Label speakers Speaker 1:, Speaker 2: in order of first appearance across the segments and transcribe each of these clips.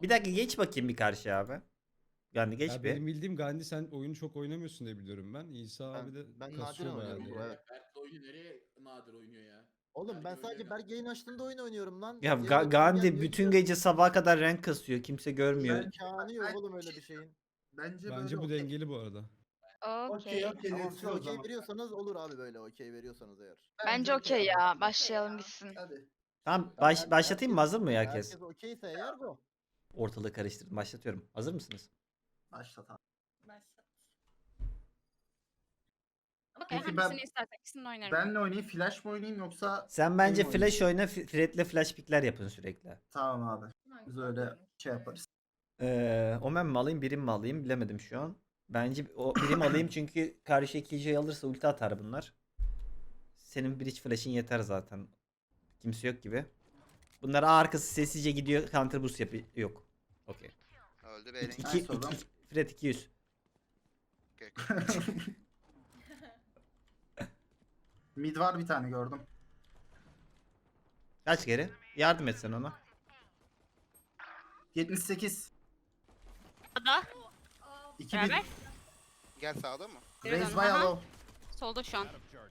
Speaker 1: Bir dakika geç bakayım bir karşı abi. Yani geç
Speaker 2: Ya
Speaker 1: bir.
Speaker 2: benim bildiğim Gandhi sen oyunu çok oynamıyorsun diye biliyorum ben. İsa abi de
Speaker 3: Ben nadiren
Speaker 2: kasıyor bayağı
Speaker 3: oynuyorum
Speaker 2: diye.
Speaker 3: bu, evet.
Speaker 4: Berk de oyunu nereye nadir oynuyor ya?
Speaker 3: Oğlum ben
Speaker 4: Berk
Speaker 3: sadece
Speaker 4: öyle
Speaker 3: Berk yayın açtığında oyun oynuyorum lan.
Speaker 1: Ya
Speaker 3: Yayın açıyorum,
Speaker 1: Gandhi
Speaker 3: gelmiyor,
Speaker 1: bütün
Speaker 3: gidiyorum.
Speaker 1: gece sabaha kadar renk kasıyor. Kimse görmüyor.
Speaker 3: İmkanı yok oğlum öyle bir şeyin.
Speaker 5: Bence
Speaker 2: Bence bu
Speaker 5: okey.
Speaker 2: dengeli bu arada.
Speaker 5: Okey
Speaker 6: Okey.
Speaker 3: Tamam
Speaker 5: diyorsun
Speaker 3: siz
Speaker 5: o
Speaker 3: okey
Speaker 5: zaman.
Speaker 3: veriyorsanız olur abi, böyle okey veriyorsanız eğer.
Speaker 6: Bence okey ya. Başlayalım gitsin.
Speaker 5: Hadi.
Speaker 1: Tamam
Speaker 3: Tamam,
Speaker 1: başlatayım mı? Hazır mı herkes?
Speaker 3: Herkes okeyse eğer bu.
Speaker 1: Ortalığı karıştırdım. Başlatıyorum. Hazır mısınız?
Speaker 5: Başlat abi.
Speaker 7: Başlat. Okey,
Speaker 5: Peki ben-
Speaker 7: hangisini istersen ikisini de oynarım.
Speaker 5: Benle oynayayım, flash mı oynayayım yoksa...
Speaker 1: Sen bence
Speaker 5: Benim
Speaker 1: flash oyna. Fred'le flash pickler yapın sürekli.
Speaker 5: Tamam abi.
Speaker 7: Hangisi
Speaker 5: Biz öyle
Speaker 7: oynarım?
Speaker 5: şey yaparız.
Speaker 1: Omen mi alayım, birim mi alayım bilemedim şu an. Bence o birim alayım çünkü karşı ikinciyi alırsa ulti atar bunlar. Senin bridge flash'in yeter zaten. Kimse yok gibi. Bunlar A arkası sessizce gidiyor. Counter boost yapıyor. Yok. Okey.
Speaker 8: Öldü beyler.
Speaker 5: Nice oğlum.
Speaker 1: Fred 200.
Speaker 5: Mid var bir tane gördüm.
Speaker 1: Kaç geri? Yardım et sen ona.
Speaker 5: 78.
Speaker 7: Sağda.
Speaker 5: 2000.
Speaker 7: Beraber.
Speaker 8: Gel sağda mı?
Speaker 7: Geri
Speaker 5: Raise
Speaker 7: dön.
Speaker 5: by
Speaker 7: Aha.
Speaker 5: low.
Speaker 7: Solda şu an.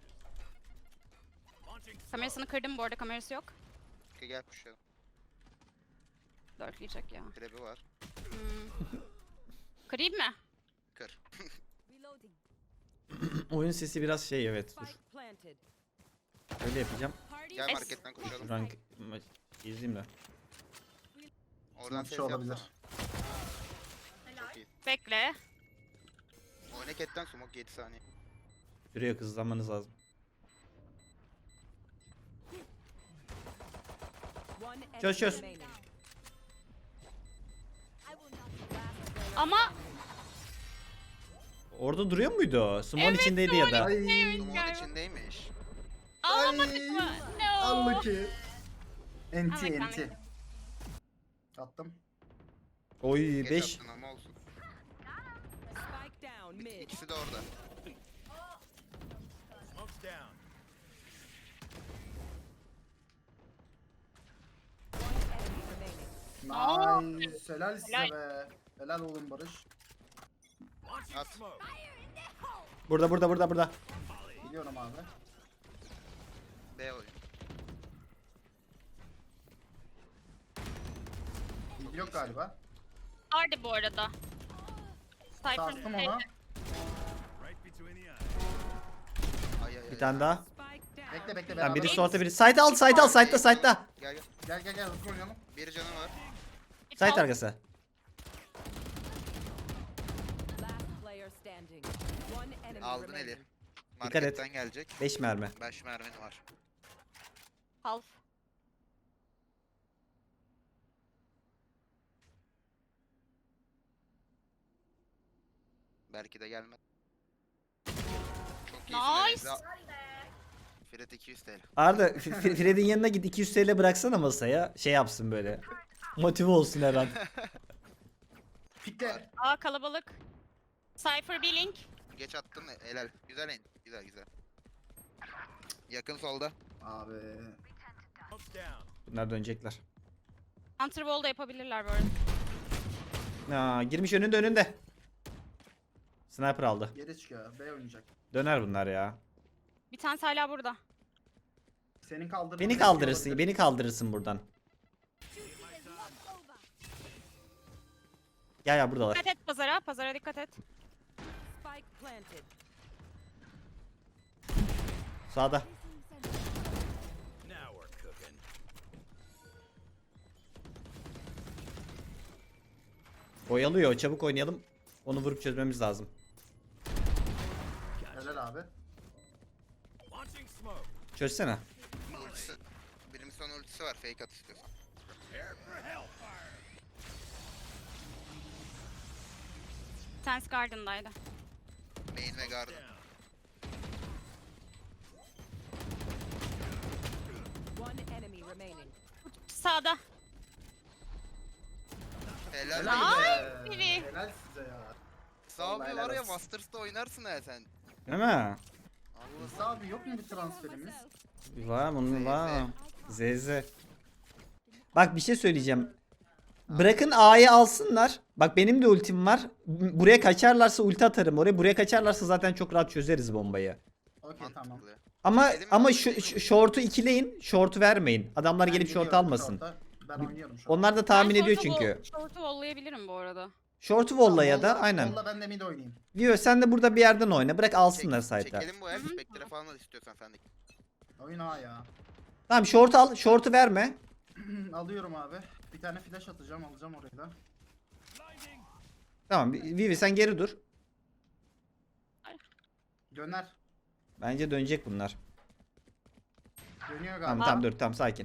Speaker 7: Kamerasını kırdım bu arada, kamerası yok.
Speaker 8: Gel pushlayalım.
Speaker 7: Dörtleyecek ya.
Speaker 8: Trebi var.
Speaker 7: Kırayım mı?
Speaker 8: Kır.
Speaker 1: Oyun sesi biraz şey, evet, dur. Öyle yapacağım.
Speaker 8: Gel
Speaker 7: Es.
Speaker 8: marketten koşalım.
Speaker 1: Rank izleyeyim de.
Speaker 8: Oradan
Speaker 5: Bir
Speaker 8: ses
Speaker 5: şey olabilir.
Speaker 8: yapsana. Çok iyi.
Speaker 7: Bekle.
Speaker 8: Oyna ketten smoke 7 saniye.
Speaker 1: Şuraya hızlanmanız lazım. Çöz çöz.
Speaker 7: Ama
Speaker 1: Orada duruyor muydu o? Small
Speaker 7: Evet,
Speaker 1: içindeydi ya da.
Speaker 5: Ay.
Speaker 8: Smoke'un
Speaker 7: galiba.
Speaker 8: içindeymiş.
Speaker 7: alamadık mı? No.
Speaker 5: Unlucky. NT
Speaker 7: Unlucky,
Speaker 5: NT. Attım.
Speaker 1: Oy
Speaker 8: Geç
Speaker 1: 5.
Speaker 8: attın ama olsun. İkisi de orada.
Speaker 5: Nice. Helal size be. Helal oğlum Barış.
Speaker 8: At.
Speaker 1: Burada.
Speaker 5: Biliyorum abi.
Speaker 8: B oyun.
Speaker 5: Mid yok galiba.
Speaker 7: Vardı bu arada.
Speaker 5: Sarstım
Speaker 7: Cypher'ın
Speaker 5: ona.
Speaker 8: Ay ay ay.
Speaker 1: Bir tane daha.
Speaker 5: Bekle bekle
Speaker 1: Ben
Speaker 5: beraber.
Speaker 1: biri sorta biri. Site al, site'da.
Speaker 8: Gel gel.
Speaker 5: Gel hızlı oynayalım.
Speaker 8: Bir canı var.
Speaker 1: Site arkası.
Speaker 8: Aldın eli.
Speaker 1: et.
Speaker 8: Marketten gelecek.
Speaker 1: 5 mermi.
Speaker 8: 5 mermin var.
Speaker 7: Half.
Speaker 8: Belki de gelmez. Çok
Speaker 7: Nice.
Speaker 8: iyisin. Fred 200 TL.
Speaker 1: Arda Fred'in yanına git, 200 TL bıraksana masaya. Şey yapsın böyle. Motive olsun her an.
Speaker 5: Pikle.
Speaker 7: Aa, kalabalık. Cypher bir link.
Speaker 8: Geç attım. Helal. Güzel en. Güzel güzel. Yakın solda.
Speaker 5: Abi.
Speaker 1: Bunlar dönecekler.
Speaker 7: Hunter wall da yapabilirler bu arada.
Speaker 1: Aa, girmiş önünde. Sniper aldı.
Speaker 5: Geri çıkıyor. B oynayacak.
Speaker 1: Döner bunlar ya.
Speaker 7: Bir tanesi hala burada.
Speaker 5: Senin kaldırman.
Speaker 1: Beni kaldırırsın buradan. Ya buradalar.
Speaker 7: Dikkat et pazara. Pazara dikkat et.
Speaker 1: Sağda. Oyalıyor. Çabuk oynayalım. Onu vurup çözmemiz lazım.
Speaker 5: Helal abi.
Speaker 1: Çözsene.
Speaker 8: Ultisi. Benim son ultisi var. Fake at istiyorsan.
Speaker 7: Bir tanesi Garden'daydı.
Speaker 8: Main ve garden.
Speaker 7: Sağda.
Speaker 8: Helal.
Speaker 5: Helal
Speaker 8: be.
Speaker 5: be.
Speaker 7: biri.
Speaker 5: Helal size ya.
Speaker 8: Sağ
Speaker 5: Vallahi
Speaker 8: bir
Speaker 5: helal
Speaker 8: var ya
Speaker 5: olsun.
Speaker 8: Masters'ta oynarsın ha sen.
Speaker 1: Değil mi?
Speaker 8: Allah.
Speaker 5: Musa abi yok mu bir transferimiz?
Speaker 1: Var bunun var. ZZ. Bak bir şey söyleyeceğim. Bırakın A'yı alsınlar. Bak benim de ultim var. Buraya kaçarlarsa ulti atarım oraya. Buraya kaçarlarsa zaten çok rahat çözeriz bombayı.
Speaker 5: Okey tamam.
Speaker 8: Mantıklı.
Speaker 1: Ama
Speaker 8: Dedim
Speaker 1: ama
Speaker 8: ya,
Speaker 1: şu short'u ikileyin. Short'u vermeyin. Adamlar
Speaker 5: Ben
Speaker 1: gelip short
Speaker 5: geliyorum
Speaker 1: almasın.
Speaker 5: short'a. Ben oynuyorum şu an.
Speaker 1: Onlar da tahmin
Speaker 7: Ben
Speaker 1: ediyor
Speaker 7: short'u
Speaker 1: çünkü.
Speaker 7: Short'u vollayabilirim bu arada.
Speaker 1: Short'u volla ya da
Speaker 5: Vallahi-
Speaker 1: aynen.
Speaker 5: vallahi ben de mid oynayayım.
Speaker 1: Vio sen de burada bir yerden oyna. Bırak alsınlar site'a.
Speaker 8: Çekelim bu el. Spectre falan da istiyorsan sen de.
Speaker 5: Oyun A ya.
Speaker 1: Tamam short al. Short'u verme.
Speaker 5: Alıyorum abi. Bir tane flash atacağım, alacağım orayı da.
Speaker 1: Tamam Vivi sen geri dur.
Speaker 5: Döner.
Speaker 1: Bence dönecek bunlar.
Speaker 5: Dönüyor
Speaker 1: Tamam
Speaker 5: galiba.
Speaker 1: tamam dur tamam sakin.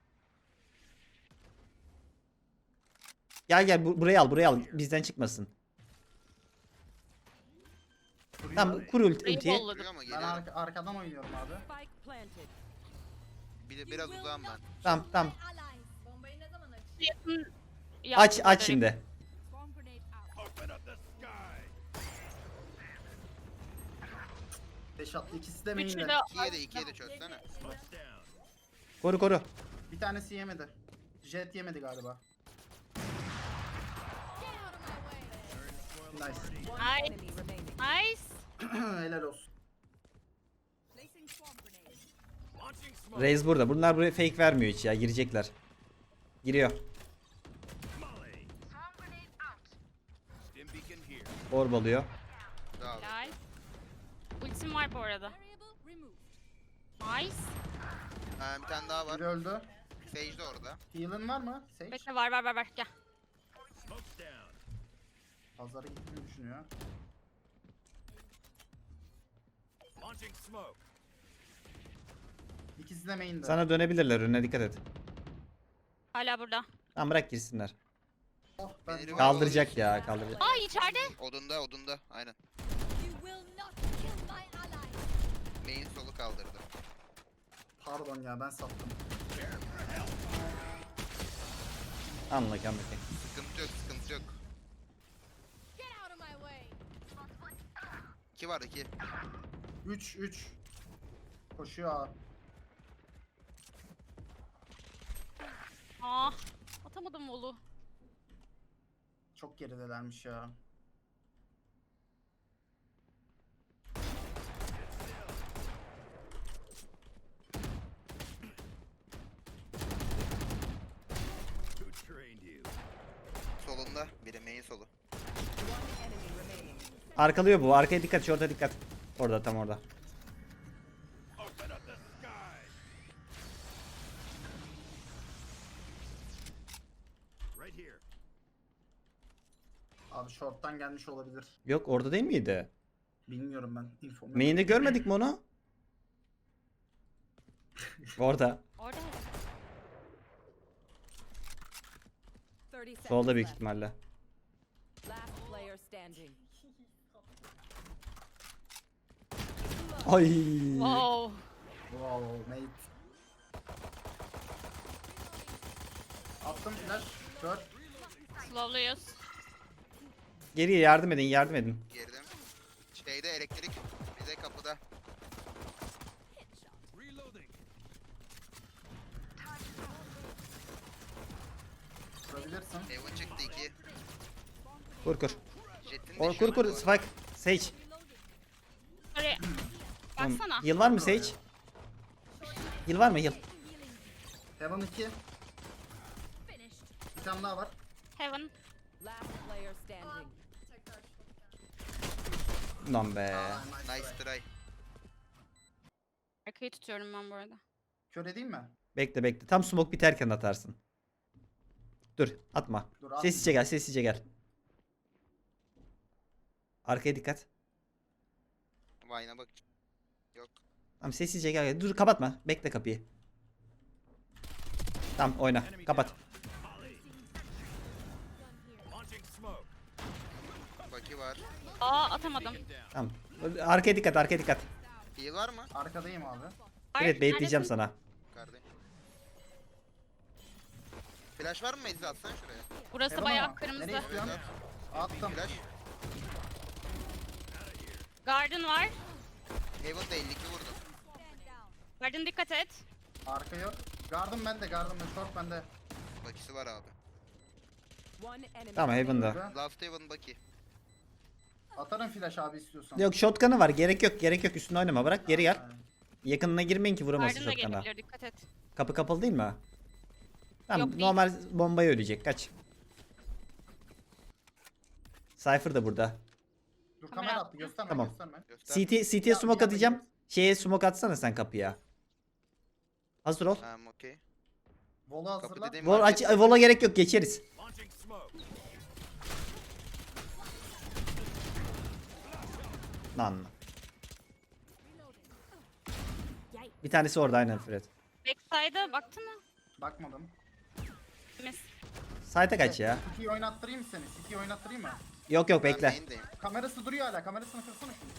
Speaker 1: Gel gel burayı al burayı al. Bizden çıkmasın.
Speaker 5: Duruyor.
Speaker 1: Tamam kur
Speaker 7: Burayı
Speaker 1: ultiyi.
Speaker 7: volladım.
Speaker 8: Duruyor mu?
Speaker 5: Ben
Speaker 8: Geliyorum.
Speaker 5: arkadan oynuyorum abi.
Speaker 8: Biraz uzağım ben.
Speaker 1: Tamam tamam.
Speaker 7: Yakın
Speaker 1: Aç
Speaker 7: yardım
Speaker 1: aç
Speaker 7: ederim.
Speaker 1: şimdi.
Speaker 5: 5 attı, ikisi de
Speaker 7: Üçü
Speaker 5: main'de.
Speaker 7: de
Speaker 8: 2'ye de çözsene.
Speaker 1: Koru koru.
Speaker 5: Bir tanesi yemedi. Jet yemedi galiba. Nice.
Speaker 7: Nice.
Speaker 5: Helal olsun.
Speaker 1: Raze burada. Bunlar buraya fake vermiyor hiç ya. Girecekler. Giriyor. Orb alıyor.
Speaker 8: Daha abi.
Speaker 7: Helal. Ultim var bu arada. Nice.
Speaker 8: Bir tane daha var.
Speaker 5: Biri öldü.
Speaker 8: Sage de orada.
Speaker 5: Heal'ın var mı? Sage.
Speaker 7: Bekle var gel.
Speaker 5: Pazara gitmeyi düşünüyor. İkisi de main'de.
Speaker 1: Sana dönebilirler. Önüne dikkat et.
Speaker 7: Hala burada.
Speaker 1: Tamam bırak girsinler.
Speaker 5: Oh, ben
Speaker 8: Beni-
Speaker 1: Kaldıracak ya kaldıracak.
Speaker 7: Aa içeride.
Speaker 8: Odunda. Aynen. Main solu kaldırdı.
Speaker 5: Pardon ya, ben sattım.
Speaker 1: Anla anla.
Speaker 8: Sıkıntı yok. 2 var 2.
Speaker 5: 3. Koşuyor abi.
Speaker 7: Aa, atamadım volu.
Speaker 5: Çok geridelermiş ya.
Speaker 8: Solunda. Biri main solu.
Speaker 1: Arkalıyor bu. Arkaya dikkat. Short'a dikkat. Orada tam orada.
Speaker 5: Abi short'tan gelmiş olabilir.
Speaker 1: Yok orada değil miydi?
Speaker 5: Bilmiyorum ben. Info.
Speaker 1: Main'de görmedik mi onu? Orada.
Speaker 7: Orada.
Speaker 1: Solda büyük ihtimalle. Ay.
Speaker 7: Wow.
Speaker 5: Wow mate. Attım flash. Kör.
Speaker 7: Slowluyuz.
Speaker 1: Geriye yardım edin yardım edin.
Speaker 8: Girdim. Şeyde elektrik. Bize kapıda.
Speaker 5: Vurabilirsin.
Speaker 8: Evan çıktı 2.
Speaker 1: Kur kur.
Speaker 8: Jet'in de
Speaker 1: Or,
Speaker 8: şu
Speaker 1: kur
Speaker 8: an
Speaker 1: kur.
Speaker 8: bu arada.
Speaker 1: Spike. Sage.
Speaker 7: Oraya.
Speaker 1: Tamam.
Speaker 7: Baksana.
Speaker 1: Heal var mı Sage? Heal var mı heal?
Speaker 5: Heaven 2. Bir tane daha var.
Speaker 7: Heaven.
Speaker 1: Lan be.
Speaker 5: Aa,
Speaker 8: Nice try.
Speaker 7: Arkayı tutuyorum ben bu arada.
Speaker 5: Kör edeyim mi?
Speaker 1: Bekle bekle. Tam smoke biterken atarsın. Dur atma.
Speaker 5: Dur, atma.
Speaker 1: Sessizce gel sessizce gel. Arkaya dikkat.
Speaker 8: Vine'a bak. Yok.
Speaker 1: Tamam sessizce gel. Dur kapatma. Bekle kapıyı. Tamam oyna. Kapat.
Speaker 8: Baki var.
Speaker 7: Aa atamadım.
Speaker 1: Tamam. Arkaya dikkat arkaya dikkat.
Speaker 8: Heal var mı?
Speaker 5: Arkadayım abi.
Speaker 1: Evet bekleyeceğim
Speaker 7: Neredesin?
Speaker 1: sana.
Speaker 8: Yukarıdayım. Flash var mı Meclis atsan şuraya.
Speaker 7: Burası
Speaker 5: Heaven
Speaker 7: bayağı
Speaker 5: ama.
Speaker 7: kırmızı.
Speaker 5: Nereye istiyorsun? Attım.
Speaker 8: Flash.
Speaker 7: Garden var.
Speaker 8: Haven da 52 vurdu.
Speaker 7: Garden dikkat et.
Speaker 5: Arka yok. Gardım bende. Short bende.
Speaker 8: Bakisi var abi.
Speaker 1: Tamam Heaven'da.
Speaker 5: Öldü.
Speaker 8: Last Haven Bucky.
Speaker 5: Atarım flash abi istiyorsan.
Speaker 1: Yok shotgun'ı var. Gerek yok. Gerek yok. Üstüne oynama. Bırak geri gel.
Speaker 5: Aynen.
Speaker 1: Yakınına girmeyin ki vuramazsın
Speaker 7: Garden da
Speaker 1: shotgun'a.
Speaker 7: gelebilir, dikkat et.
Speaker 1: Kapı kapalı değil mi? Tamam
Speaker 7: Yok, değil.
Speaker 1: normal bombaya ölecek. Kaç. Cypher da burada.
Speaker 5: Dur
Speaker 7: Kamera
Speaker 5: kamera
Speaker 7: attı.
Speaker 5: attı gösterme
Speaker 1: Tamam.
Speaker 5: gösterme.
Speaker 8: Göster.
Speaker 1: CT'ye smoke
Speaker 5: Ya,
Speaker 1: atacağım. Şeye smoke atsana sen kapıya. Hazır ol.
Speaker 8: Tamam okey.
Speaker 5: Volu
Speaker 8: Kapı
Speaker 5: hazırla.
Speaker 8: dediğim
Speaker 1: Vol
Speaker 8: market.
Speaker 1: aç, vola gerek yok. Geçeriz. Lan. Bir tanesi orada aynen Fred.
Speaker 7: Backside'a baktın mı?
Speaker 5: Bakmadım.
Speaker 7: Mis.
Speaker 1: Site'e kaç ya.
Speaker 5: City'yi oynattırayım mı seni? City'yi oynattırayım mı?
Speaker 1: Yok yok
Speaker 8: Ben
Speaker 1: bekle.
Speaker 8: main'deyim.
Speaker 5: Kamerası duruyor hala. Kamerasını kırsana şunu.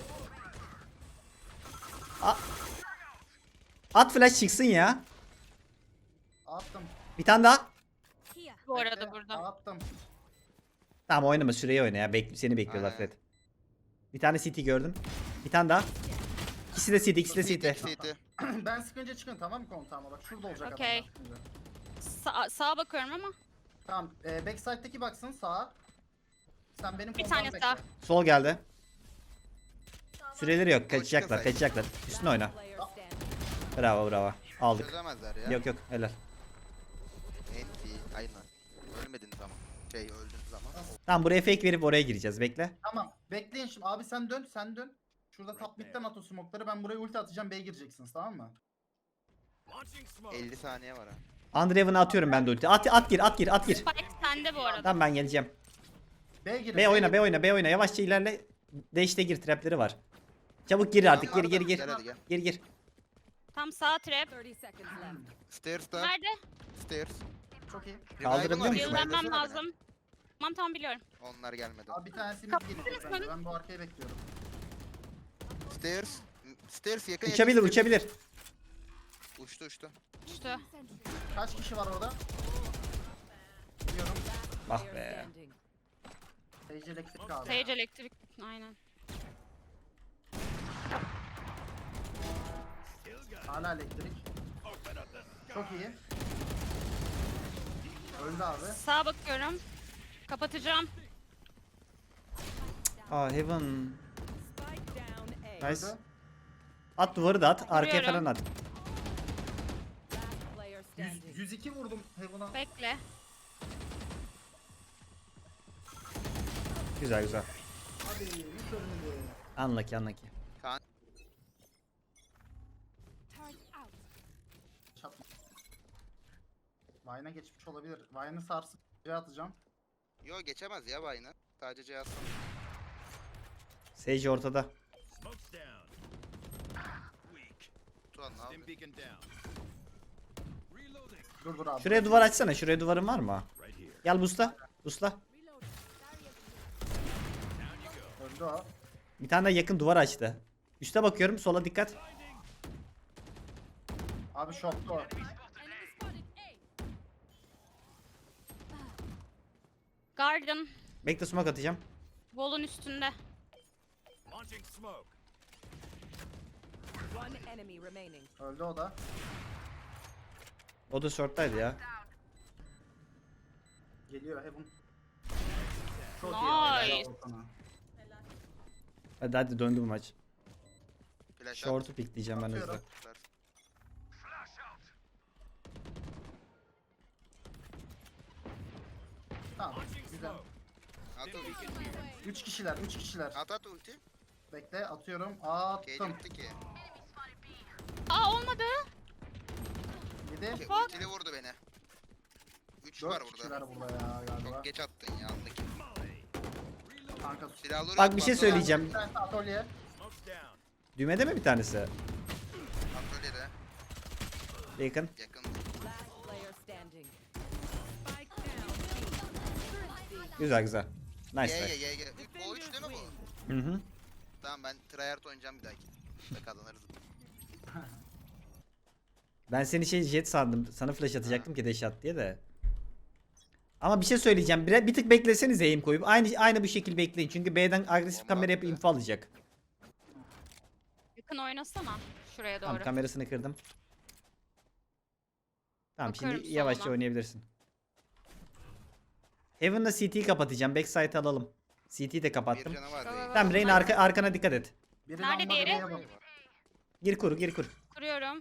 Speaker 1: At flash çıksın ya.
Speaker 5: Attım.
Speaker 1: Bir tane daha.
Speaker 7: Bu arada
Speaker 5: Bekle,
Speaker 7: burada.
Speaker 5: Attım.
Speaker 1: Tamam oynama süreyi oyna ya. Seni bekliyorlar
Speaker 8: Aynen.
Speaker 1: Fred. Bir tane CT gördüm. Bir tane daha. İkisi de CT, ikisi de CT.
Speaker 8: CT.
Speaker 5: Ben sıkınca çıkın tamam mı kontağıma bak şurada olacak
Speaker 7: Okey.
Speaker 5: adamlar şimdi.
Speaker 7: Sağa bakıyorum ama.
Speaker 5: Tamam backside'deki baksın sağa. Sen benim
Speaker 7: Bir
Speaker 5: kontağımı
Speaker 7: tane
Speaker 5: bekle.
Speaker 7: sağ.
Speaker 1: Sol geldi. Süreleri yok.
Speaker 8: Koştu
Speaker 1: Kaçacaklar,
Speaker 8: sayı.
Speaker 1: kaçacaklar. Üstüne oyna. Bravo bravo. Aldık.
Speaker 8: Çözemezler ya.
Speaker 1: Yok yok helal.
Speaker 8: Enti. Aynen. Ölmediniz ama. Öldünüz ama.
Speaker 1: Tamam buraya fake verip oraya gireceğiz. Bekle.
Speaker 5: Tamam bekleyin şimdi abi sen dön sen dön. Şurada top mid'den at o smoke'ları ben buraya ulti atacağım B'ye gireceksiniz tamam mı?
Speaker 8: 50 saniye var ha.
Speaker 1: Andreven'a atıyorum ben de ulti. At gir, at gir, at gir.
Speaker 7: Spike sende bu arada.
Speaker 1: Tamam ben geleceğim.
Speaker 5: B'ye girin.
Speaker 1: B oyna,
Speaker 5: girin.
Speaker 1: B oyna, B oyna. Yavaşça ilerle. Dash'te gir, trapleri var. Çabuk gir artık. Gir, gir, gir.
Speaker 8: Gel hadi gel.
Speaker 1: Gir, gir.
Speaker 7: Tam sağ trap.
Speaker 8: Stairs'ta.
Speaker 7: Nerede?
Speaker 8: Stairs.
Speaker 5: Çok iyi.
Speaker 1: Kaldırabiliyor
Speaker 8: Revive'ın var,
Speaker 1: musun?
Speaker 7: Yıllanmam
Speaker 8: revive'lasana
Speaker 7: lazım. Tamam biliyorum.
Speaker 8: beni. Onlar gelmedi.
Speaker 5: Abi bir tanesi mid
Speaker 7: Kapatırız
Speaker 5: gelecek bence
Speaker 7: beni.
Speaker 5: ben bu arkayı bekliyorum.
Speaker 8: Stairs. Stairs yakın
Speaker 1: Uçabilir,
Speaker 8: yakın.
Speaker 1: uçabilir.
Speaker 8: Uçtu uçtu.
Speaker 7: İşte.
Speaker 5: Kaç kişi var orada? Biliyorum.
Speaker 1: Ah be.
Speaker 5: Sage elektrik abi.
Speaker 7: Sage elektrik. Aynen.
Speaker 5: Hala elektrik. Çok iyi. Öldü abi.
Speaker 7: Sağa bakıyorum. Kapatacağım.
Speaker 1: Aa Heaven. Nice.
Speaker 5: Öldü.
Speaker 1: At duvarı da at. Arkaya
Speaker 7: Vuruyorum.
Speaker 1: falan at.
Speaker 5: 102 vurdum Heaven'a.
Speaker 7: Bekle.
Speaker 1: Güzel güzel.
Speaker 5: Hadi hiç ölmedi.
Speaker 1: Unlucky, unlucky.
Speaker 5: Çatma. Vine'a geçmiş olabilir. Vine'ı sarsıp atacağım.
Speaker 8: Yo geçemez ya Bayna. Sadece cihaz.
Speaker 1: Sage ortada.
Speaker 8: Tuan ne yapıyor?
Speaker 5: Dur abi.
Speaker 1: Şuraya duvar açsana. Şuraya duvarın var mı? Gel busla. Busla.
Speaker 5: Öldü o.
Speaker 1: Bir tane de yakın duvar açtı. Üste bakıyorum. Sola dikkat.
Speaker 5: Abi şoktu o.
Speaker 7: Garden.
Speaker 1: Bekle smoke atacağım.
Speaker 7: Wall'un üstünde.
Speaker 5: Öldü o da.
Speaker 1: O da short'taydı ya.
Speaker 5: Geliyor Heaven. Çok
Speaker 7: Nice.
Speaker 5: iyi. Helal olsun sana.
Speaker 1: Hadi hadi döndü bu maç.
Speaker 8: Flash
Speaker 1: Short'u pikleyeceğim ben hızlı.
Speaker 5: Atıyorum. Tamam. Güzel.
Speaker 8: At ulti.
Speaker 5: 3 kişiler, 3 kişiler.
Speaker 8: At ulti.
Speaker 5: Bekle atıyorum.
Speaker 8: Cage
Speaker 5: Attım.
Speaker 8: bitti ki.
Speaker 7: Aa olmadı.
Speaker 5: 7.
Speaker 8: Ki ultili vurdu beni. 3 var
Speaker 5: 4
Speaker 8: burada.
Speaker 5: kişiler burada ya galiba.
Speaker 8: Çok geç attın ya andaki.
Speaker 5: Kanka
Speaker 8: Silahları
Speaker 1: Bak
Speaker 8: at,
Speaker 1: bir şey
Speaker 8: bak,
Speaker 1: söyleyeceğim.
Speaker 5: bir tanesi atölye.
Speaker 1: Düğmede mi bir tanesi?
Speaker 8: Atölyede.
Speaker 1: Yakın.
Speaker 8: Yakın.
Speaker 1: Güzel güzel. Nice
Speaker 8: Ye ye
Speaker 1: try.
Speaker 8: ye ye. O 3 değil mi bu?
Speaker 1: Hı hı.
Speaker 8: Tamam ben tryhard oynayacağım bir dahaki. Ve kazanırız.
Speaker 1: Ben seni jet sandım. Sana flash atacaktım ki dash at diye de. Ama bir şey söyleyeceğim. Bir tık bekleseniz aim koyup aynı bu şekilde bekleyin. Çünkü B'den agresif
Speaker 8: Bomba
Speaker 1: kamera yapıp
Speaker 8: attı.
Speaker 1: info alacak.
Speaker 7: Yakın oynasana. Şuraya doğru.
Speaker 1: Tamam kamerasını kırdım. Tamam
Speaker 7: Bakıyorum
Speaker 1: şimdi yavaşça
Speaker 7: soluna.
Speaker 1: oynayabilirsin. Heaven'la CT'yi kapatacağım. Backside alalım. CT'yi de
Speaker 8: Bir
Speaker 1: kapattım.
Speaker 8: canı var
Speaker 7: Go, go,
Speaker 8: değil.
Speaker 7: go.
Speaker 1: Tamam Rain arkana dikkat et.
Speaker 5: Biri
Speaker 7: Nerede
Speaker 5: lamba,
Speaker 7: diğeri?
Speaker 5: biri Heaven.
Speaker 1: Gir kur gir kur.
Speaker 7: Kuruyorum.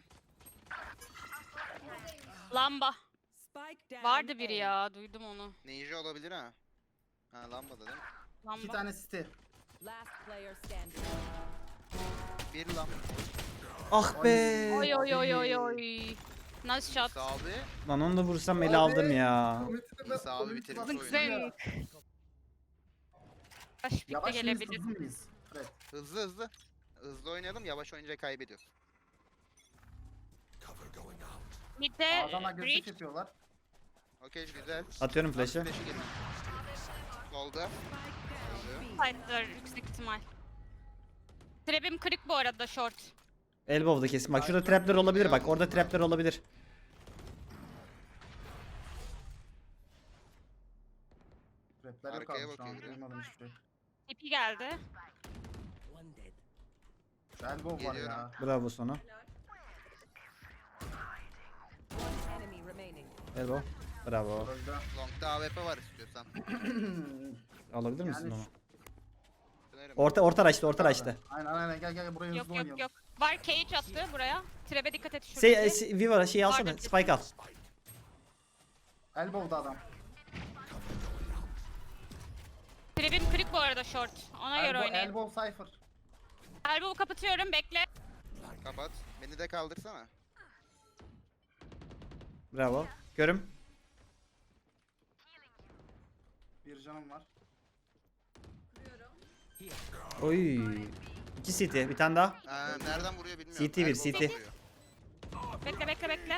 Speaker 7: Lamba. Vardı biri ya. Duydum onu.
Speaker 8: Ninja olabilir ha. Ha lambada değil mi?
Speaker 5: İki
Speaker 7: Lamba.
Speaker 5: tane city.
Speaker 8: Bir lamba.
Speaker 1: Ah be.
Speaker 7: Oy oy oy oy oy. Nice shot.
Speaker 8: İsa abi.
Speaker 1: Lan onu da vursam ele aldım ya.
Speaker 8: İsa abi bitirmiş oyunu.
Speaker 7: Zınk. Baş pikte
Speaker 5: Yavaş mıyız,
Speaker 7: gelebilir.
Speaker 5: hızlı mıyız? Evet.
Speaker 8: Hızlı hızlı. Hızlı oynayalım, yavaş oynayınca kaybediyoruz.
Speaker 7: Mid'de
Speaker 5: A'dan agresif
Speaker 7: breach.
Speaker 5: yapıyorlar.
Speaker 8: Okey güzel.
Speaker 1: Atıyorum flash'ı.
Speaker 8: Flash'ı gelin. Solda. Öldü.
Speaker 7: Side'lar yüksek ihtimal. Trap'im kırık bu arada short.
Speaker 1: Elbow'da kesin. Bak şurada trapler olabilir bak. Orada trapler olabilir.
Speaker 5: Rapler yok
Speaker 8: Arkaya
Speaker 5: abi şu an.
Speaker 8: bakıyor biri.
Speaker 5: Duymadım hiçbir şey.
Speaker 7: TP geldi.
Speaker 5: Şu elbow var ya.
Speaker 8: Geliyorum.
Speaker 1: Bravo sana. Elbow. Bravo.
Speaker 5: Öldü.
Speaker 8: Long'da AWP var istiyorsan.
Speaker 1: Alabilir misin
Speaker 5: Yani
Speaker 1: onu?
Speaker 8: Dönerim.
Speaker 1: Orta açtı orta açtı.
Speaker 5: Aynen aynen gel buraya
Speaker 7: Yok
Speaker 5: hızlı
Speaker 7: yok
Speaker 5: oynayalım.
Speaker 7: yok. Var cage attı buraya. Trap'e dikkat et şuradaki.
Speaker 1: Viva şeyi alsana.
Speaker 7: Vardı.
Speaker 1: Spike al.
Speaker 5: Elbow'da adam.
Speaker 7: Trap'im kırık bu arada short. Ona göre oynayın.
Speaker 5: Elbow Cypher.
Speaker 7: Elbow'u kapatıyorum bekle.
Speaker 8: Kapat. Beni de kaldırsana.
Speaker 1: Bravo. Görüm.
Speaker 5: Bir canım var.
Speaker 1: Oy. 2 CT. Bir tane daha.
Speaker 8: Nereden vuruyor bilmiyorum.
Speaker 1: CT bir,
Speaker 8: Elbow'dan
Speaker 1: CT.
Speaker 8: vuruyor.
Speaker 7: Bekle.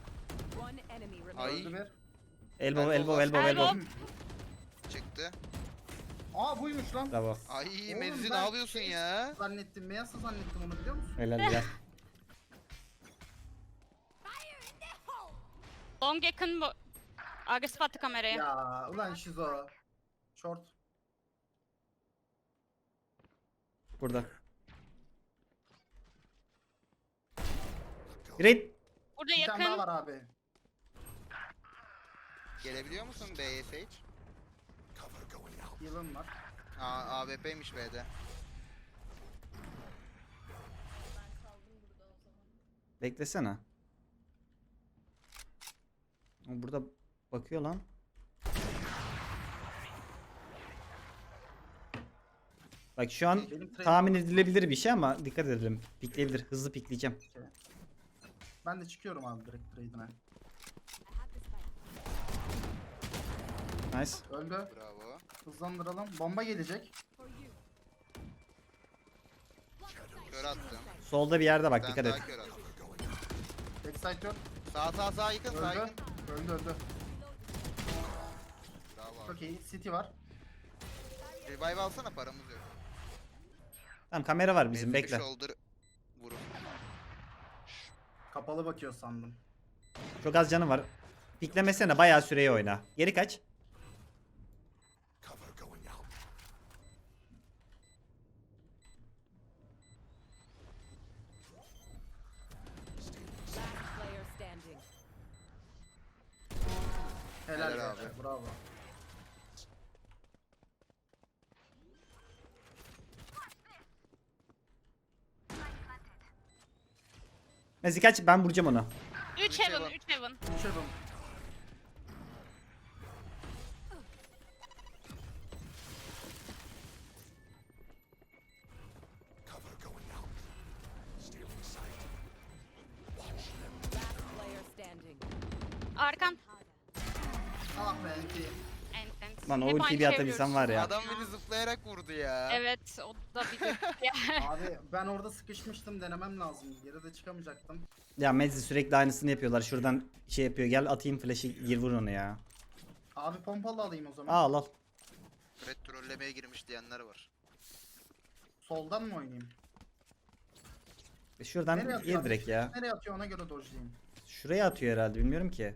Speaker 8: Ay
Speaker 5: Öldü bir.
Speaker 1: Elbow.
Speaker 8: çıktı.
Speaker 5: Aa buymuş lan.
Speaker 1: Bravo.
Speaker 8: Ay
Speaker 5: Oğlum
Speaker 8: Mezzi ne
Speaker 5: ben
Speaker 8: yapıyorsun ya?
Speaker 5: Zannettim. Meyasa zannettim onu biliyor musun?
Speaker 1: Helal ya.
Speaker 7: Long yakın bu. Agresif attı kameraya.
Speaker 5: Ya ulan Şizo. Short.
Speaker 1: Burada. Great.
Speaker 7: Burada
Speaker 5: Bir tane daha
Speaker 7: yakın.
Speaker 5: var abi.
Speaker 8: Gelebiliyor musun B'ye Sage?
Speaker 5: Heal'ım var.
Speaker 8: AWP'ymiş B'de.
Speaker 1: Beklesene. O burada bakıyor lan. Bak şu an
Speaker 5: Benim trade-
Speaker 1: tahmin edilebilir bir şey ama dikkat edelim. Pikleyebilir. Hızlı pikleyeceğim.
Speaker 5: Ben de çıkıyorum abi direkt trade'ine.
Speaker 1: Nice.
Speaker 5: Öldü.
Speaker 8: Bravo.
Speaker 5: Hızlandıralım. Bomba gelecek.
Speaker 8: Kör attım.
Speaker 1: Solda bir yerde bak
Speaker 8: Ben
Speaker 1: dikkat
Speaker 8: daha
Speaker 1: et.
Speaker 8: kör attım.
Speaker 5: Backside yok.
Speaker 8: Sağ yakın sağ
Speaker 5: Öldü.
Speaker 8: yakın.
Speaker 5: Öldü.
Speaker 8: Bravo.
Speaker 5: Çok iyi. City var.
Speaker 8: Revive alsana paramız yok.
Speaker 1: Tamam kamera var bizim
Speaker 8: Mezzi bir
Speaker 1: bekle.
Speaker 8: shoulder vurun.
Speaker 5: Kapalı bakıyor sandım.
Speaker 1: Çok az canı var. Piklemesene bayağı süreyi oyna. Geri kaç.
Speaker 5: Helal,
Speaker 8: Helal
Speaker 5: be.
Speaker 8: abi.
Speaker 5: Bravo.
Speaker 1: Mezi kaç ben vuracağım onu.
Speaker 7: 3 heaven, 3 heaven.
Speaker 5: Uçalım.
Speaker 7: Arkan.
Speaker 5: Ah be enti.
Speaker 7: Ent.
Speaker 1: Lan o
Speaker 7: Hep
Speaker 1: ultiyi
Speaker 7: aynı
Speaker 1: bir
Speaker 7: şey
Speaker 1: atabilsem var ya.
Speaker 8: Adam beni zıplayarak vurdu ya.
Speaker 7: Evet, o da bir de.
Speaker 5: Abi ben orada sıkışmıştım, denemem lazım. Geri de çıkamayacaktım.
Speaker 1: Ya Mezi sürekli aynısını yapıyorlar. Şuradan şey yapıyor. Gel atayım flash'ı gir vur onu ya.
Speaker 5: Abi pompalı alayım o zaman.
Speaker 1: Al al.
Speaker 8: Red trollemeye girmiş diyenler var.
Speaker 5: Soldan mı oynayayım?
Speaker 1: Şuradan
Speaker 5: Nereye
Speaker 1: gir
Speaker 5: atıyor?
Speaker 1: direkt ya.
Speaker 5: Nereye atıyor ona göre dodge'layayım.
Speaker 1: Şuraya atıyor herhalde bilmiyorum ki.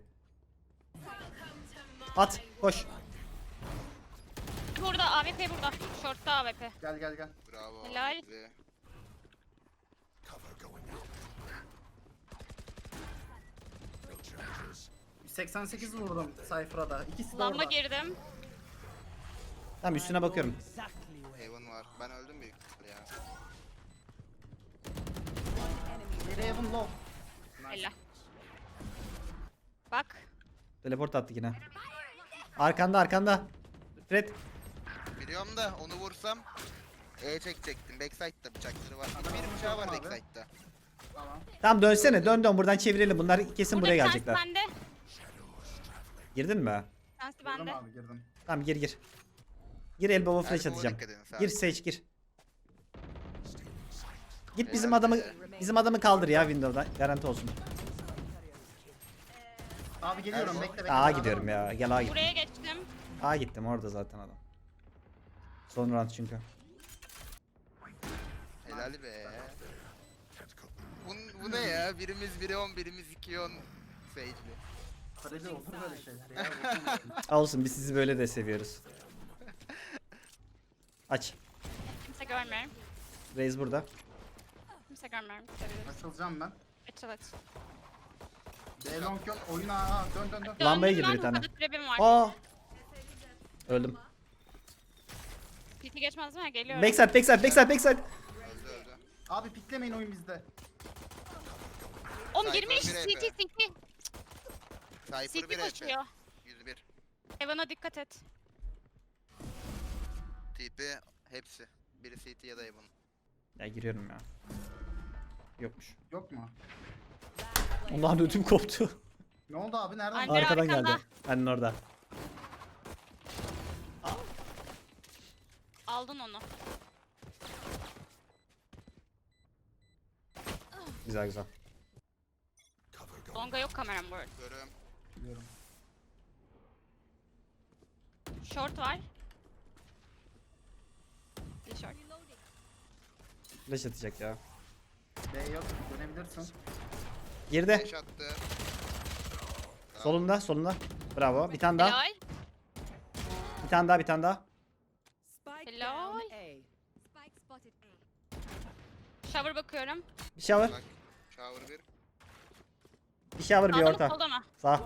Speaker 1: At koş.
Speaker 7: Burada, AWP burada. Short'ta AWP.
Speaker 5: Gel.
Speaker 8: Bravo.
Speaker 7: Helal.
Speaker 8: Mezzi.
Speaker 5: 88 vurdum Cypher'a da. İkisi de
Speaker 7: Lamba
Speaker 5: orada.
Speaker 7: girdim.
Speaker 1: Tamam üstüne bakıyorum.
Speaker 8: Heaven var. Ben öldüm büyük ihtimalle ya.
Speaker 5: Biri Heaven low.
Speaker 7: Helal. Bak.
Speaker 1: Teleport attı yine. Arkanda. Fred.
Speaker 8: Biliyorum da onu vursam çekecektim. Backside'da bıçakları var.
Speaker 5: Adam
Speaker 8: Bir bıçağı var
Speaker 5: abi.
Speaker 8: backside'da.
Speaker 5: Tamam.
Speaker 1: Tamam dönsene. Dön buradan çevirelim. Bunlar kesin
Speaker 7: Burada
Speaker 1: buraya
Speaker 7: bir tanesi
Speaker 1: gelecekler.
Speaker 7: bende.
Speaker 1: Girdin mi?
Speaker 7: Bir tanesi
Speaker 5: Girdim
Speaker 7: bende.
Speaker 5: abi girdim.
Speaker 1: Tamam gir. Gir elbow'a flash
Speaker 8: Elbow'a
Speaker 1: atacağım.
Speaker 8: dikkat edin
Speaker 1: Gir
Speaker 8: sadece.
Speaker 1: Sage gir. Git
Speaker 8: Helal
Speaker 1: bizim adamı kaldır ya Window'dan. Garanti olsun.
Speaker 5: Abi geliyorum bekle.
Speaker 1: Aa gidiyorum ya. Gel A git.
Speaker 7: Buraya geçtim.
Speaker 1: A gittim orada zaten adam. Son round çünkü.
Speaker 8: Helal be. Bu ne ya? Birimiz 1'e 10, birimiz 2'ye 10 Sage'li.
Speaker 5: Kareli olur böyle şeyler ya.
Speaker 1: Olsun biz sizi böyle de seviyoruz. Aç.
Speaker 7: Kimse görmüyorum.
Speaker 1: Raze burada.
Speaker 7: Kimse görmüyorum. Seviyoruz.
Speaker 5: Açılacağım ben.
Speaker 7: Açıl aç.
Speaker 5: B long yok. Oyun ağa. Dön.
Speaker 1: Lambaya
Speaker 7: Döndüm
Speaker 1: girdi
Speaker 7: lan,
Speaker 1: bir tane.
Speaker 7: hızlı trap'im var.
Speaker 1: Aa. Öldüm.
Speaker 7: PT geçmez mi? Geliyorum.
Speaker 1: Backside.
Speaker 8: Öldü.
Speaker 5: Abi piklemeyin oyun bizde.
Speaker 7: Oğlum
Speaker 8: Cypher
Speaker 7: girmiş.
Speaker 8: bir
Speaker 7: CT.
Speaker 8: Cypher
Speaker 7: CT
Speaker 8: 1
Speaker 7: koşuyor.
Speaker 8: 101.
Speaker 7: Evan'a dikkat et.
Speaker 8: TP hepsi. Biri CT ya da Heaven.
Speaker 1: Ya giriyorum ya. Yokmuş.
Speaker 5: Yok mu?
Speaker 1: Ondan ödüm koptu.
Speaker 5: Ne oldu abi? Nereden?
Speaker 7: Alper
Speaker 1: Arkadan
Speaker 7: arkanda.
Speaker 1: geldi. Annen orada.
Speaker 7: Aldın onu.
Speaker 1: Güzel.
Speaker 7: Longa yok kameram bu arada.
Speaker 8: Görüyorum.
Speaker 5: Biliyorum.
Speaker 7: Short var. Bir short.
Speaker 1: Flash atacak ya.
Speaker 5: B yok. Dönebilirsin.
Speaker 1: Girdi.
Speaker 8: 5 attı.
Speaker 1: Solunda. Bravo. Bir tane daha.
Speaker 7: Helal.
Speaker 1: Bir tane daha.
Speaker 7: Helal. Shower bakıyorum.
Speaker 1: Bir shower.
Speaker 8: Bak. Shower 1.
Speaker 1: Bir shower bir
Speaker 7: Sağda mı
Speaker 1: orta.
Speaker 7: solda mı?
Speaker 1: Sağ.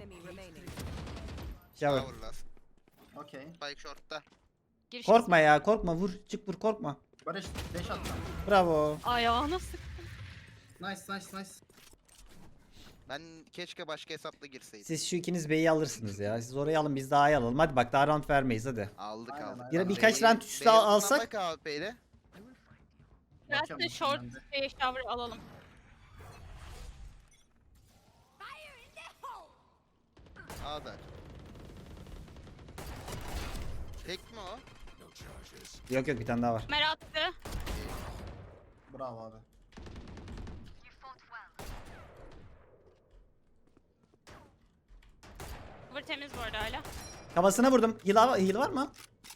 Speaker 1: Shower.
Speaker 8: Shower last.
Speaker 5: Okey.
Speaker 8: Spike short'ta.
Speaker 7: Giriş.
Speaker 1: Korkma ya korkma vur. Çık vur korkma.
Speaker 5: Barış 5 attım.
Speaker 1: Bravo.
Speaker 7: Ayağına sık.
Speaker 5: Nice.
Speaker 8: Ben keşke başka hesapla girseydim.
Speaker 1: Siz şu ikiniz B'yi alırsınız ya. Siz orayı alın biz daha iyi alalım. Hadi bak daha round vermeyiz hadi.
Speaker 8: Aldık
Speaker 5: Aynen,
Speaker 8: aldık.
Speaker 5: aynen.
Speaker 1: Yine birkaç round üstü alsak.
Speaker 8: Bak AWP ile.
Speaker 7: Biraz
Speaker 5: Bakıyorum
Speaker 7: da short
Speaker 5: ben de.
Speaker 7: shower alalım.
Speaker 8: A'da. Tek mi o?
Speaker 1: Yok bir tane daha var.
Speaker 7: Kamer attı.
Speaker 5: Bravo abi.
Speaker 7: Cover temiz bu arada hala.
Speaker 1: Kafasına vurdum. Heal var mı?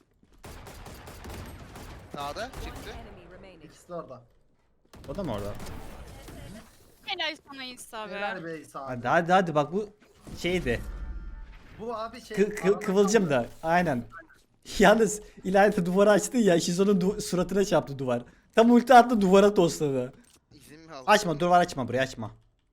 Speaker 8: Sağda çıktı.
Speaker 5: İkisi de orada.
Speaker 1: O da mı orada?
Speaker 7: Helal sana İsa be.
Speaker 5: Helal be İsa abi.
Speaker 1: Hadi bak bu şeydi.
Speaker 5: Bu abi şey.
Speaker 1: Kıvılcım da. Aynen. Yalnız ileride duvarı açtı ya. Şizon'un suratına çarptı duvar. Tam ulti attı duvara tosladı.
Speaker 8: İzin mi aldın?
Speaker 1: Açma duvar açma burayı açma.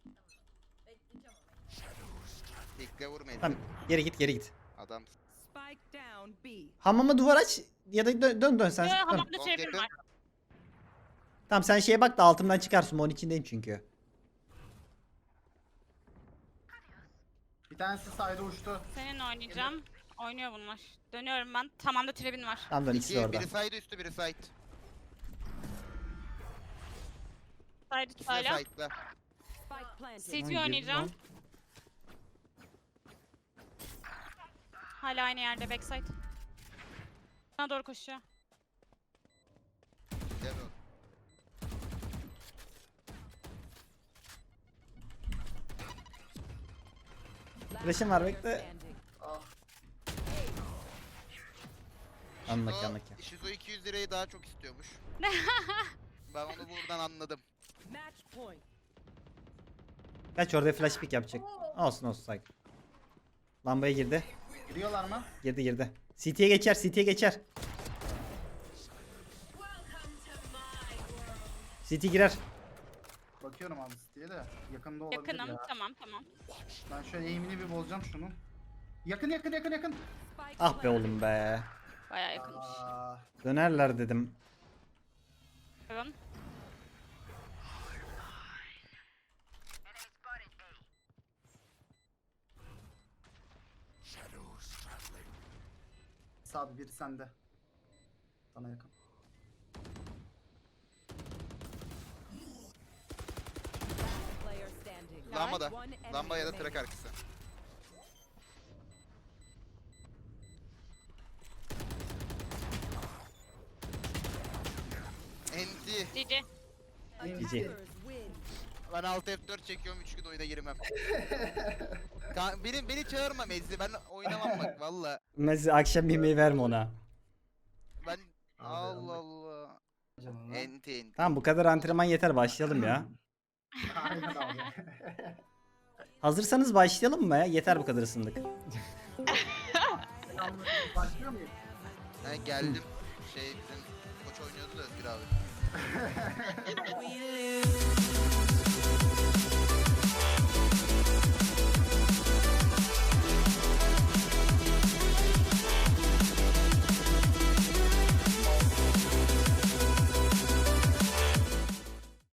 Speaker 8: Tekle vurmayın.
Speaker 1: Tamam geri git.
Speaker 8: Adam.
Speaker 1: Hamama duvar aç ya da dön sen. Dön.
Speaker 7: Hamamda
Speaker 8: Long
Speaker 7: trap'im
Speaker 8: yakın.
Speaker 7: var.
Speaker 1: Tamam sen şeye bak da altımdan çıkarsın. Onun içindeyim çünkü.
Speaker 5: Bir tanesi side'e uçtu.
Speaker 7: Seninle oynayacağım. Oynuyor bunlar. Dönüyorum ben. Tamam da trap'in var.
Speaker 1: Tamam dön ikisi de orada.
Speaker 8: Biri side üstü biri side.
Speaker 7: Side
Speaker 8: İkisi de
Speaker 7: hala.
Speaker 8: side'da.
Speaker 7: CT oynayacağım. Hala aynı yerde backside. Bana doğru koşuyor.
Speaker 8: Gel oğlum.
Speaker 1: Flash'ım var bekle.
Speaker 5: Ah.
Speaker 1: Anlak.
Speaker 8: Shizo 200 lirayı daha çok istiyormuş. Ben onu buradan anladım.
Speaker 1: Kaç orada flash pick yapacak. Olsun sakin. Lambaya girdi.
Speaker 5: Giriyorlar mı?
Speaker 1: Girdi. CT'ye geçer. CT girer.
Speaker 5: Bakıyorum abi diye de yakında olabilir
Speaker 7: Yakınım.
Speaker 5: ya.
Speaker 7: Tamam.
Speaker 5: Ben şöyle aim'ini bir bozacağım şunun. Yakın.
Speaker 1: Ah be oğlum be.
Speaker 7: Bayağı yakınmış.
Speaker 5: Aa,
Speaker 1: Dönerler dedim.
Speaker 7: Bakın.
Speaker 5: abi biri sende. Sana yakın.
Speaker 8: Lambada. Lamba ya da trak arkası. Enti.
Speaker 7: GG.
Speaker 1: GG.
Speaker 8: Ben alt F4 çekiyorum 3 gün oyuna girmem. beni çağırma Mezzi, ben oynamam bak valla.
Speaker 1: Mesela akşam yemeği verme ona.
Speaker 8: Ben
Speaker 5: Abi,
Speaker 8: Allah Allah.
Speaker 5: Canına.
Speaker 8: Enti.
Speaker 1: Tamam bu kadar antrenman yeter, başlayalım ya.
Speaker 5: Aynen abi.
Speaker 1: Hazırsanız başlayalım mı ya? Yeter bu kadar ısındık.
Speaker 5: Başlıyor muyuz?
Speaker 8: Ha, geldim. Şey bizim koç oynuyordu da Özgür abi.